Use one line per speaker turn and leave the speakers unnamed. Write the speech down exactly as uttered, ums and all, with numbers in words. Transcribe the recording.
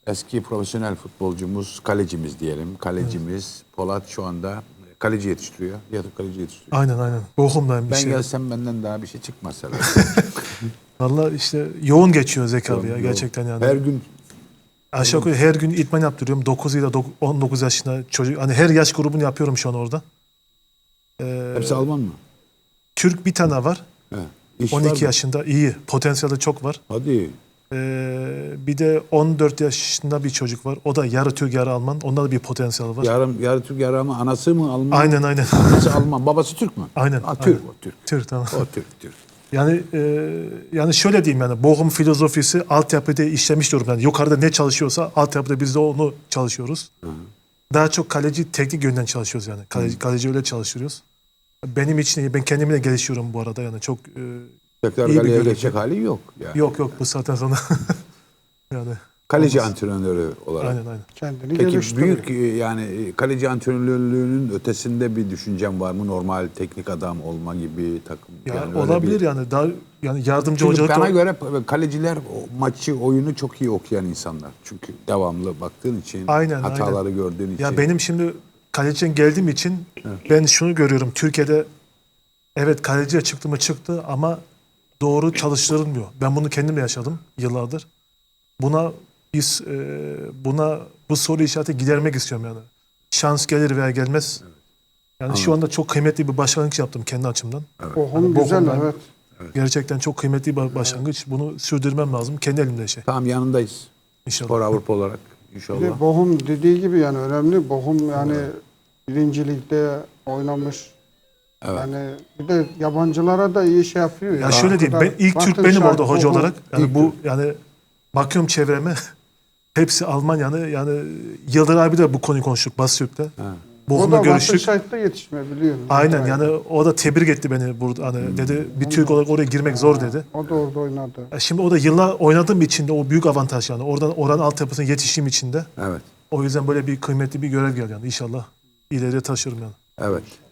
eski profesyonel futbolcumuz, kalecimiz diyelim. Kalecimiz evet. Polat şu anda kaleci yetiştiriyor. Ya da kaleci yetiştiriyor.
Aynen aynen. Bochum'dayım bir
ben
şey.
Ben gelsem benden daha bir şey çıkmaz herhalde.
Vallahi işte yoğun geçiyor Zeki abi ya
yoğun.
gerçekten yani.
Her gün
aşağı yukarı her gün idman yaptırıyorum. dokuz ile on dokuz yaşında çocuk. Hani her yaş grubunu yapıyorum şu an orada. Ee,
Hepsi Alman mı?
Türk bir tane var.
He,
on iki yaşında iyi. Potansiyeli çok var.
Hadi.
Ee, bir de on dört yaşında bir çocuk var. O da yarı Türk yarı Alman. Onda da bir potansiyel var.
Yarım, yarı Türk yarı Alman. Anası mı Alman?
Aynen aynen.
Anası Alman. Babası Türk mü?
Aynen.
Ha, Türk
aynen.
o Türk.
Türk tamam.
O Türk Türk.
Yani e, yani şöyle diyeyim yani Bochum filozofisi altyapıda işlemiş diyorum. Yani yukarıda ne çalışıyorsa altyapıda biz de onu çalışıyoruz. Hı hı. Daha çok kaleci teknik yönden çalışıyoruz yani. Kaleci, hı. kaleci öyle çalıştırıyoruz. Benim için iyi. Ben kendimi de geliştiriyorum bu arada yani çok e,
tekrar kaleye geçecek hali yok. Yani.
Yok yok bu saatten sonra. yani.
Kaleci
olmaz.
Antrenörü olarak.
Aynen aynen.
Kendini
Peki büyük yani kaleci antrenörlüğünün ötesinde bir düşüncem var mı? Normal teknik adam olma gibi takım.
Ya
yani
olabilir
bir...
yani daha yani yardımcı
Çünkü
hocalık.
bana
da...
göre kaleciler o maçı, oyunu çok iyi okuyan insanlar. Çünkü devamlı baktığın için,
aynen,
hataları
aynen.
gördüğün için.
Ya benim şimdi kaleciden geldiğim için evet. ben şunu görüyorum. Türkiye'de evet kaleciye çıktı mı çıktı ama doğru çalıştırılmıyor. Ben bunu kendim de yaşadım yıllardır. Buna biz e, buna bu soru işareti gidermek istiyorum yani. Şans gelir veya gelmez. Evet. Yani Anladım. Şu anda çok kıymetli bir başlangıç yaptım kendi açımdan.
Evet. Bochum yani güzel evet.
evet. Gerçekten çok kıymetli bir başlangıç. Bunu sürdürmem lazım. Kendi elimde şey.
Tamam yanındayız.
İnşallah.
Spor Avrupa olarak inşallah.
Bir Bochum dediği gibi yani önemli. Bochum yani evet. birinci ligde oynamış. Evet. Yani bir de yabancılara da iyi şey yapıyor.
Ya, ya şöyle diyeyim. Ben ilk Türk benim orada hoca olarak. Yani
ilk
bu yani bakıyorum çevreme hepsi Alman yani yani Yıldır abi de bu konuyu konuştuk Basüt'te. Bochum'la görüştük.
O da yetişmeyebiliyor.
Aynen yani o da tebrik etti beni burada hani hmm. dedi bir Ondan, Türk olarak oraya girmek ha, zor dedi.
O da orada oynadı.
Şimdi o da yıllar oynadığım için de o büyük avantaj yani. Oradan oranın altyapısına yetiştiğim için de.
Evet.
O yüzden böyle bir kıymetli bir görev geldi yani inşallah ileriye taşırım yani.
Evet.